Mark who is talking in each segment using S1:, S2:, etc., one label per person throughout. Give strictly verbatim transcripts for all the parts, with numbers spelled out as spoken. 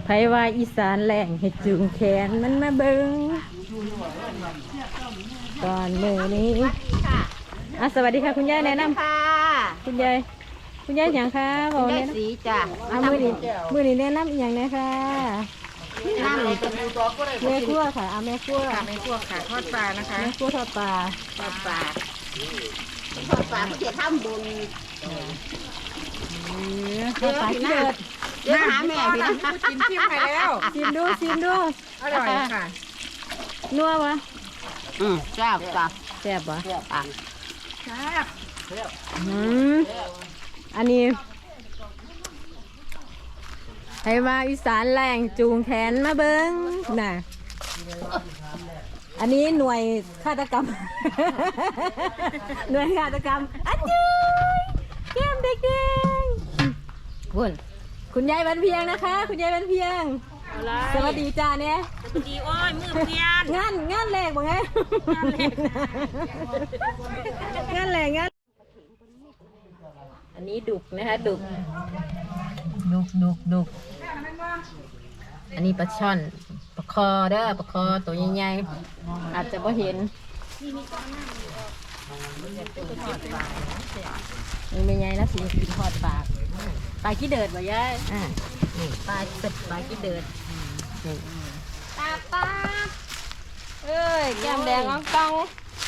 S1: ไผว่าอีสานแหล่งให้จูงแขนมันมาเบิงก่อนมือนี้อ่ะสวัสดีค่ะคุณยายแนะนำ
S2: ค่ะ
S1: คุณยายคุณยายอย่างคะบอก
S2: ได้
S1: แนะนำ
S2: สีจ้ะ
S1: เอามือนี้มือนี้แนะนำอหย่างนะคะ
S2: น้ำเลย
S1: แม่ครัวค่ะเอาแม่ครัว
S2: ค่ะไม่พวกค่ะทอดปลานะคะ
S1: แม่ครัวทอดปลา
S2: ทอดปลาทอดปลาเพื่อทำบุญ
S1: ทอดปลาที่เดือด
S2: เดี๋ยวหาแม่พี่นะกินชิมไปแล้ว
S1: ชิมดูชิมดู
S2: อร่อยค่ะ
S1: นัววะ
S2: อืมแซ่บจ้ะ
S1: แซ่บวะ
S2: แซ่บอ่ะแซ่บ
S1: อืมอันนี้ให้มาอีสานแรงจูงแขนมาเบิ้งน่ะอันนี้หน่วยฆาตกรรม หน่วยฆาตกรรมอันยืยแก้มเด็กๆคุณคุณยายวันเพียงนะคะ คุณยายวันเพียงสวัสดีจ้าเนี่ย
S2: สวัสดีอ้อยมือเพียน
S1: งานงานแรกบ่ไงงานแรกงานแรกงานอันนี้ดุกนะคะดุกดุกดุกดุกอันนี้ปลาช่อนปลาคอเด้อปลาคอตัวใหญ่ๆอาจจะไ่เห็นนี่ไม่ใหญ่นะสิกินทอดปากปลาขี้เดือดบ่ยายอ่านี่ปลาเป็ดปลาขี้เดือดนี่ปลาปลาเอ้ยแก้มแดงอ่องตอง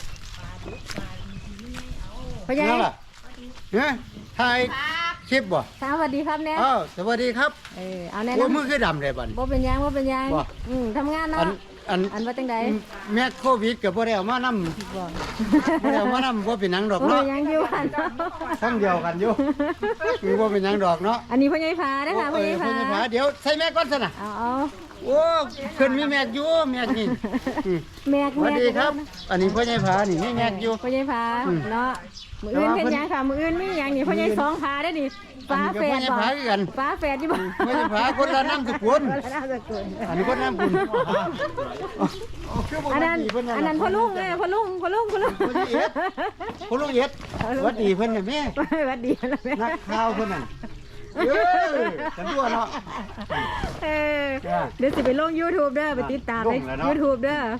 S1: พ่อใหญ่
S3: เนี่ยถ่ายคลิปบ่
S1: สวัสดีครับเนี่ย
S3: อ้าวสวัสดีครับ
S1: เออเอาแน่
S3: โอ้
S1: นอน
S3: มือคือดำเลยบัด
S1: บ่เป็นหยังบ่เป็นหยัง
S3: บ่
S1: อืมทำงาน
S3: อั
S1: เนาะ
S3: นอัน
S1: อันว่าจังใด
S3: แม่โควิดกับบ่ได้เอามานำ
S1: บ่
S3: บ่ได้เอามานำบ่เป็นหยังดอก
S1: บ่เป็
S3: เนาะ
S1: นหยังอยู่บ้านเนาะ
S3: ทั้งเดียวกันอยู่คือบ่เป็นหยังดอกเนาะ
S1: อันนี้พ่อใหญ่พาเด้อค่ะพ่อใหญ่
S3: เออ
S1: พา
S3: เพิ่นจะพาเดี๋ยวใส่แม่ก่อนซะน่ะ
S1: เอาเอา
S3: โอ้เพิ่นมีแม่อยู่แม่นี่อืม
S1: แม่
S3: สวัสดีครับ อันนี้พ่อใหญ่ผานี่มีแม่อยู่
S1: พ่อใหญ่พา
S3: อืม
S1: เนาะมื้ออื่น
S3: แต่
S1: เป็น
S3: ว่า
S1: หยังค่ะมื้ออื่นมีหยังนี่พ่อใหญ่สองพาได้อนี่ฟ้าแฝด
S3: อันนี้ก็พ่อใหญ่พาคือกัน
S1: ฟ้าแฝดอยู่บ่
S3: พ่อใหญ่ผาคนละนามสกุล
S1: คนละนามสกุล
S3: อันนี้คนน้ำบุญ
S1: อันนั้นอันนั้นพ่อลุงเอ้ยพ่อลุงพ่อลุงพ่อลุง
S3: พ่อลุงเอ็ดสวัสดีเพิ่นน่ะแม่
S1: สวัสดีนะแม่
S3: นักข่าวเพิ่นน่ะเอ้ยกันตัวเนาะ
S1: เออ
S3: จ้ะ
S1: เดี๋ยวสิไปลง YouTube เด้อไปติดตามใน
S3: ลงแล้วเนาะ
S1: YouTube เด้อ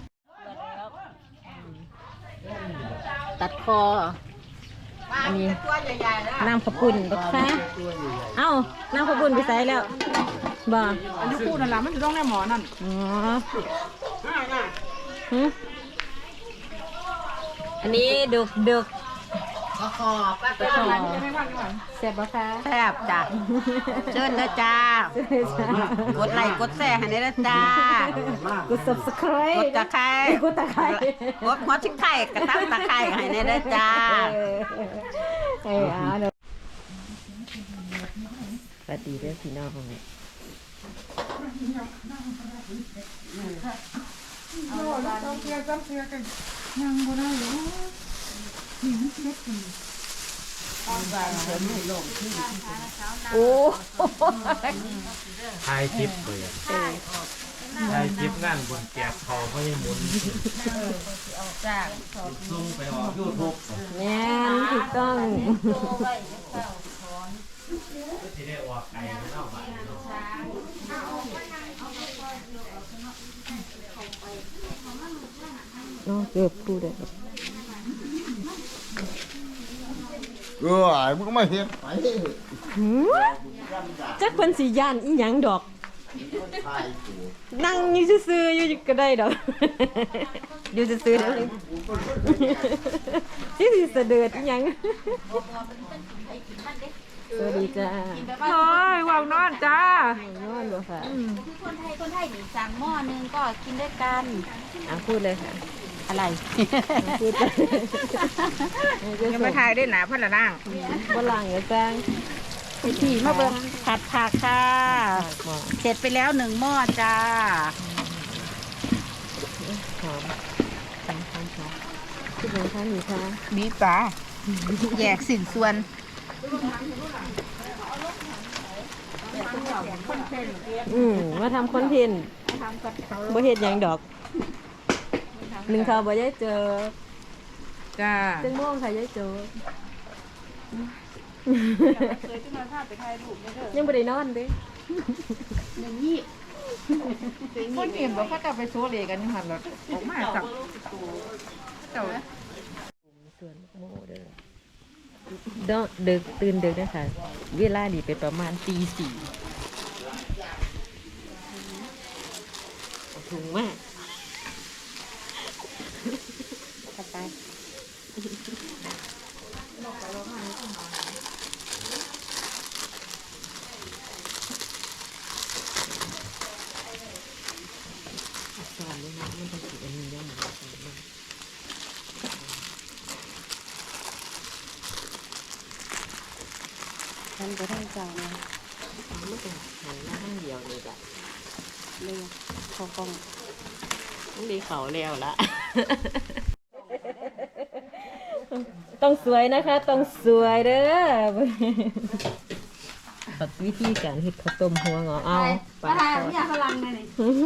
S1: ตัดคออันนี้
S2: ตัวใหญ่ๆนะ
S1: น้ำขาวปุ่นบักค่ะเอ้าน้ำขาวปุ่นไปใส่แล้วบ่
S2: อันนี้พูดนั่นแหละมันจะต้องได้หมอนั่น
S1: อ๋อหึอันนี้ดึกดึก
S2: ขอขอป้า
S1: ตะขอแซ่บบ่คะ
S2: แซ่บจ้ะเชิญนะจ้า กดไลค์กดแชร์ให้ได้นะจ้าก
S1: ด subscribe
S2: กดตะไคร้
S1: กดตะไคร้
S2: กดหัวชิคไข่กระตั้งตะไคร้ให้ได้นะจ้า
S1: เออเออเอาเนอะสวัสดีเด้อพี่น้องโอ้
S4: ถ่ายคลิปเลยอะถ่ายคลิปงานบนแกะเขาเขาให้หมุนส่งไปออกยูทูบ
S1: แม่นถูกต้อง
S4: ที่ได้ออกไก่ไม่เอาไปเนาะ
S1: เนาะเกือบพูดเลย
S3: เออมึงก็มาเฮ็ดไป
S1: หืมจักเพิ่นสิย่านอีหยังดอก นั่งอยู่ซื่อๆอยู่ก็ได้ดอก อยู่ซื่อๆเด้อที่สิเสด็จอีหยังสวัสดีจ้า
S2: โอ้ยว้าวนอนจ้าน
S1: อนบ่ค่ะ
S5: คนไทยคนไทยนี่สั่งหม้อนึงก็กินด้วยกัน
S1: อ่ะพูดเลยค่ะ
S2: อะไร
S1: พูดเลย
S2: ยังไม่ทายได้หนาพ่อละนั่ง
S1: บ่ล่างอย่าจ้าง
S2: พี่พี่มาเบิ่งผัดผักค่ะ
S1: หมอ
S2: เสร็จไปแล้วหนึ่งหม้อจ้า
S1: หอมหอมหอมหอมคิดยังคะหนูคะ
S2: บีบปลาแยกสิ่นส่วน
S1: อืมมาทำคอนเทนต์บ่เฮ็ดหยังดอกหนึ่งข่าวบ่ได้เจอ
S2: จ้า
S1: จังม่วงค่ะยายโจยังบ่ได้นอนเด้
S5: อย่างนี้
S6: คนเห็นบอกเขาจะไปโซเลกันอยู่หันรถออกมาจับเจ้า
S1: ส่วนโมเด้อดอกดึกตื่นดึกนะคะเวลาดีเป็นประมาณตีสี่ถุงมากขับไปสอนเลยนะมันต้องติดอันนี้เยอะเหมือนกันฉันก็ได้ใจนะไม่ต้องหันหน้าข้างเดียวเลยจ้ะเลยพอกล้องต้องดีเขาแล้วละ ต้องสวยนะคะต้องสวยเด้อตัดวิธีการเฮ็ดข้าวต้มหัวงอเอาปลาทอดเนี่ยพลังเลย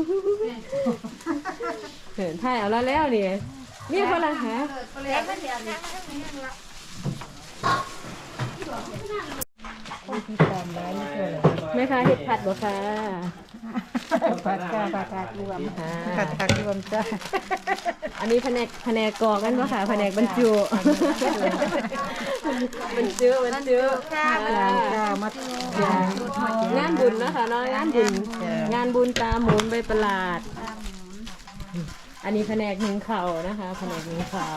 S1: เห็นไทยเอาแล้วแล้วนี่นี่พลังฮะแม่ค้าเห็ดผัดบ่ค่ะผัดค่ะผัดผัดรวมค่ะผัดผัดรวมจ้าอันนี้แผนกแผนกกรอกกันบ่ค่ะแผนกบรรจุบรรจุบรรจุค่ะมางานบุญนะคะเนาะงานบุญงานบุญตาหมุนใบประหลาดอันนี้แผนกหนึ่งเข่านะคะแผนกหนึ่งเข่า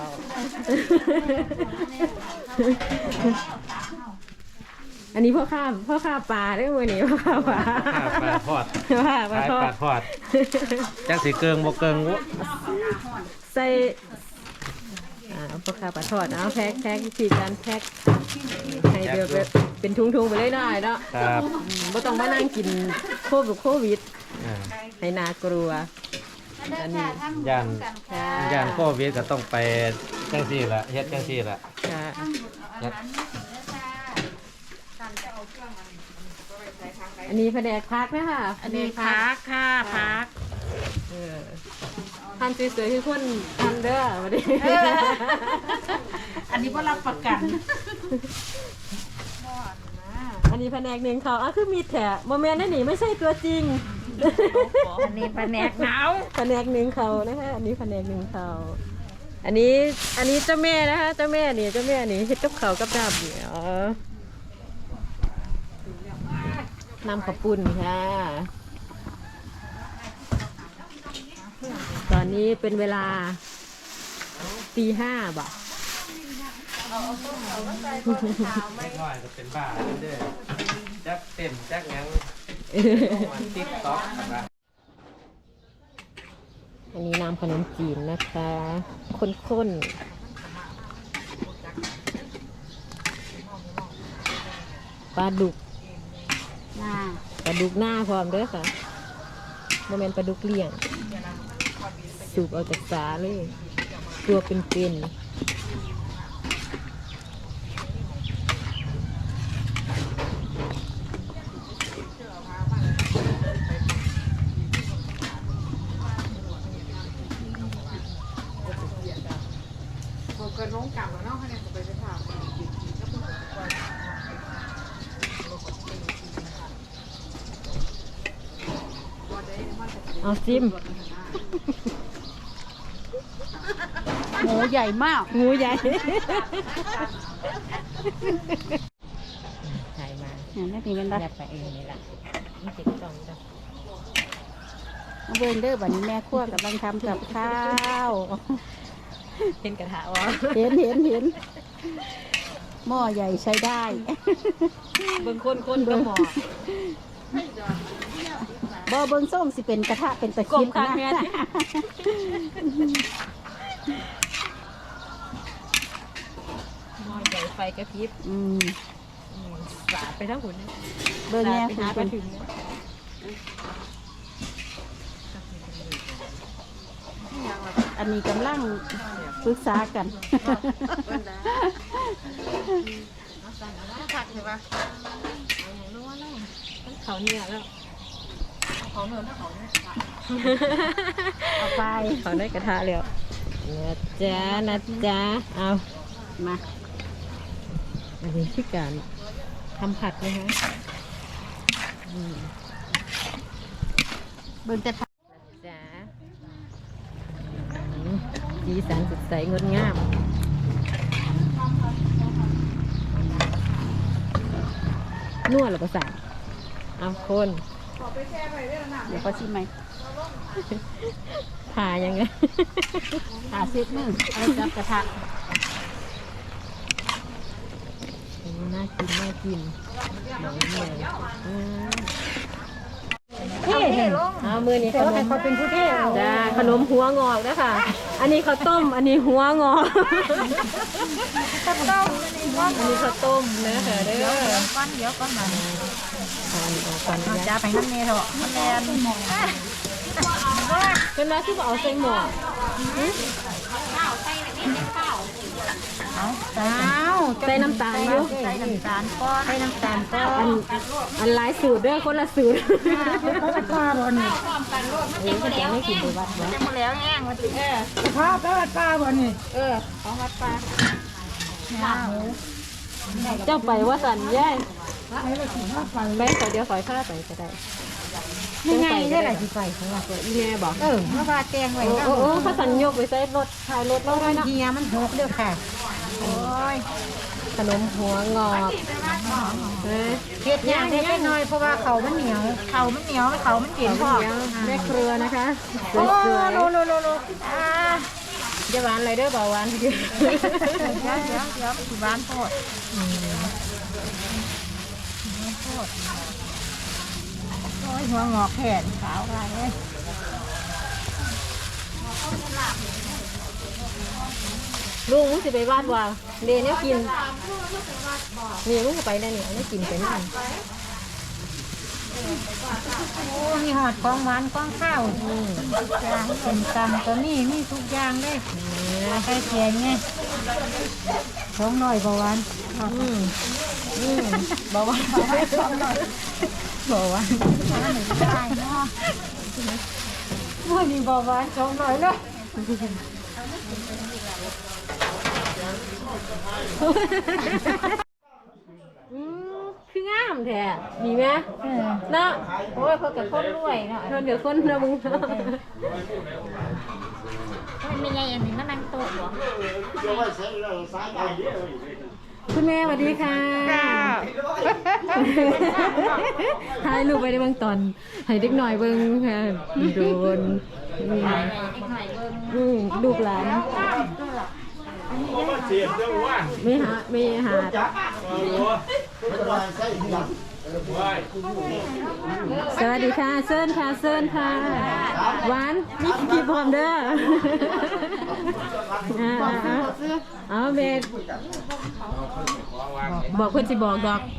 S1: อันนี้พ่อข้าพ่อข้าปลาได้วันนี้พ่อข้าปลา
S4: ปลาทอด
S1: ว่าปลา
S4: ขาย
S1: ทอ
S4: ป
S1: ด
S4: ลาทอดจังสีเกิงบ่เกิงวุ
S1: ใส่อ่าพ่อข้าปลาทอดเอาแพ็คแพ็ควิธีการแพ็คให้เดือเป็นทุงๆไปเลยหน่อยเนาะ
S4: ครับ
S1: ไม่ต้องมานั่งกินโควิดโควิด
S4: อ่า
S1: ให้น่ากลัว
S5: อันนี้
S4: ย่าน
S1: ค่ะ
S4: ย่านโควิดก็ต้องไปจังซี่ล่ะเฮ็ดจังซี่ล่ะ
S1: ค่ะ
S4: เฮ็ด
S1: อันนี้แผนกพักไหมคะ
S6: อันนี้พักค่ะพัก
S1: เออทำสวยๆให้คนทำเด้อมาดิ
S6: อันนี้ว่ารับประกัน
S1: อันนี้แผนกหนึ่งเขาอ่ะคือมีแถะโมเมนต์นั่นนี่ไม่ใช่ตัวจริง
S6: อันนี้แผนกหนาว
S1: แผนกหนึ่งเขานะคะอันนี้แผนกหนึ่งเขาอันนี้อันนี้เจ้าแม่นะคะเจ้าแม่นี่เจ้าแม่นี่เฮ็ดกับเขาวกับดาบเดี๋ยวนำข้าวปุ้นค่ะตอนนี้เป็นเวลาตีห้าบ่
S4: เล็กน้อยก็เป็นบ้าเด้อจักเต้นจักหยังมันติ๊กต๊อกครับ
S1: อันนี้น้ำขนมจีนนะคะข้นๆปลาดุก
S5: หน้า
S1: ปลาดุกหน้าพร้อมเด้อค่ะโมเมนปลาดุกเลี้ยงสูบเอาจากสาเลยตัวเป็นๆ
S6: เกิดลงกลับแล้วเนาะคะแนนจะไปไปถาม
S1: เอาซิม
S5: หมูใหญ่มาก
S1: งูใหญ่ถ่ายมา
S5: เนี่ยนี่เป็น
S1: อ
S5: รั
S1: ยากไปเองนี่แหละนี่ติดกล่องจ้ะ
S5: เบนเดอร์บันนี้แม่ครัวกำลังทำกับข้าว
S1: เห็นกระทะวะ
S5: เห็นเห็นเห็นหม้อใหญ่ใช้ได้
S1: เบิ่งคนคนก็หมอ
S5: บ่เบิ้งส้มสิเป็นกระทะเป็นตะ
S1: กล
S5: คิ
S1: ม
S5: ด
S1: คาง
S5: นะ
S1: แม่หม้อใหญ่ไฟกระพริบ
S5: อืม
S1: สาดไปทั้งหุ่น
S5: เบิ้งแม่
S1: ไป
S5: คุ
S1: หา
S5: ณ
S1: ไป
S5: เป็น
S1: ถึง
S5: อันนี้กำลังปรึกษากัน
S6: ผักใช่ปะ
S1: เขาเนี่ยแล้ว
S6: เขาเนินถ้าเขาเนี่ย
S5: เอาไป
S1: เขาได้กระทะแล้วนะจ๊ะนะจ๊ะเอา
S5: มา
S1: อันนี้คือการทำผัดนะคะอืม
S2: เบิ่งแต่
S1: จ้าอืมสีสันสดใสงดงามนวดหรือเปล่าสาวเอาคน
S2: เดี๋ยวเขาชิมไหม
S1: ผ่ายังไง
S2: หาเซตมือเอาจับกระทะ
S1: โอ้น่ากินน่ากินหนังเหนียวอืมเท่เอามือนี้ขนมเขาเป็นผู้เท่จ้าขนมหัวงอกนะค่ะ อันนี้ข้าวต้ม อันนี้หัวงอกข้าวต้มอันนี้ข้าวต้มนะค่ะเด้อ
S6: ก้อนเดียวก้อนมา
S1: ก่อนเอาก่อน
S6: เอา
S1: นะ
S6: จ้าไปน้ำเนยเถอะมันแลน
S1: เป็นมาที่บอกเอาใส่หม้อ
S6: อ้าว
S1: ใส่น้ำตาลอยู่
S6: ใส่น้ำตาลก้อนใส่น้ำตาลก้อ
S1: อั
S6: น
S1: นอันหลายสูตรเด้อคนละสูตร
S6: ป้าบนนี่
S1: เอ้ยเขาจะไม่กินไปวัดวะ
S6: จะมาแล้วแง่งมาติเออป้าป้าป้าบนนี่เออของวัดป้า
S1: เจ้าไปว่าสันย่ายไปขอเดียวขอผ้าไปก็ได้
S6: ยังไงได้หลายที่ไปของเรา
S1: อีแม่บอก
S6: เออมาปลาแกงไว้
S1: โอ้โอ้เขาสันยกไปใส่รถถ่ายรถเราด้วยเนาะ
S6: เฮียมันหกเด้อค่ะโอ้ย
S1: ขนมหัวงอกเฮ้ย
S6: เฮ็ดยากได้น้อยเพราะว่าเขามันเหนียวเขามันเหนียวเขามันเย็นพอ
S1: แม่เครือนะคะส
S6: โอ้
S1: วย
S6: โลโลโลโลอ่า
S1: ๆจะหวานอะไรเด้อเบาหวาน
S6: เดี๋ยวเดี๋ยวเดี๋ยวเดี๋ยวสิบ้านโพดโพดโอ้ยหัวงอกแขนขาวอะไรเอ้ย
S1: ลุงมึงสิไปวาดว่าเดนเนี่ยกินนี่ลุงก็ไปได้เนี่ยเนี่ยกินไปนั่น
S6: โอ้มีหอดกองหวานกองข้าว
S1: อืม
S6: จ้าเป็นตำตัวนี้มีทุกอย่างเลยใครเขียนไงท้องหน่อยประวัน
S1: อืมอืมบอกว่า
S6: บอกว่าได้เนาะวันนี้บอกว่าท้องหน่อยเลย
S1: อืมคืองามแท้มีไหมเนาะ
S6: โอ้ยเขากับคนรวยเนาะ
S1: เธอเดี๋ยวคนนะมึง
S6: มันไม่ใหญ่อันนี้มันนั่งโต๊ะเหรอ
S1: คุณแม่สวัสดีค่ะถ่ายรูปไปได้เบางตอนให้เด็กหน่อยเบิ่งค่ะโดนอืมอืมลูกหลานไม่หาไม่หาสวัสดีค่ะเซิร์นค่ะเซิร์นค่ะหวานนี่กี่พร้อมเด้ออ่าเอาเบสบอกคนสิบอกดอก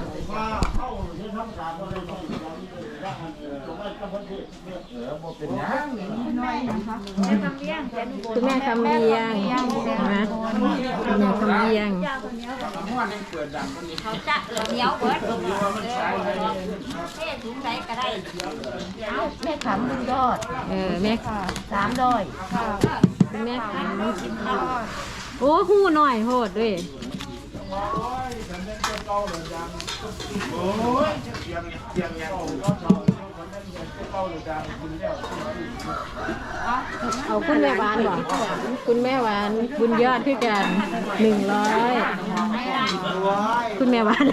S1: คุณแม่คำเลียงนะคุณแม่คำเลียง
S5: เขาจะเหนียวเบิดเท่ถุงใดก็ได้
S6: แม่ขำลุงยอด
S1: เออแม่
S6: สามดอย
S1: คุณแม่คำโอ้หูหน่อยโหดด้วยเอาคุณแม่หวานก่อนคุณแม่หวานบุญยอดคือกันหนึ่งร้อยคุณแม่หวาน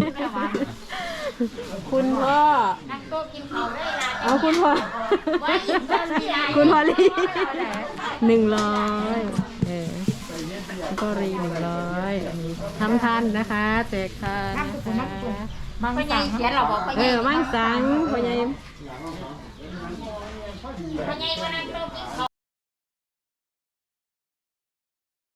S1: คุณพ่อ
S5: นั่งโต๊ะกินข้าวได้ละ
S1: เอาคุณพ่อคุณพ่อลีหนึ่งร้อยเออคุณพ่อรีหนึ่งร้อยทำทันนะคะแจกทานนะคะ
S6: มัง
S5: พ่อใหญ่
S6: สัง
S5: เขียนเราบอกพ่อให
S1: เอ
S5: ญ่
S1: อมั่งสังพ่อใหญ่
S5: พ่อใหญ่ว่านั่งโต๊ะกินข้าว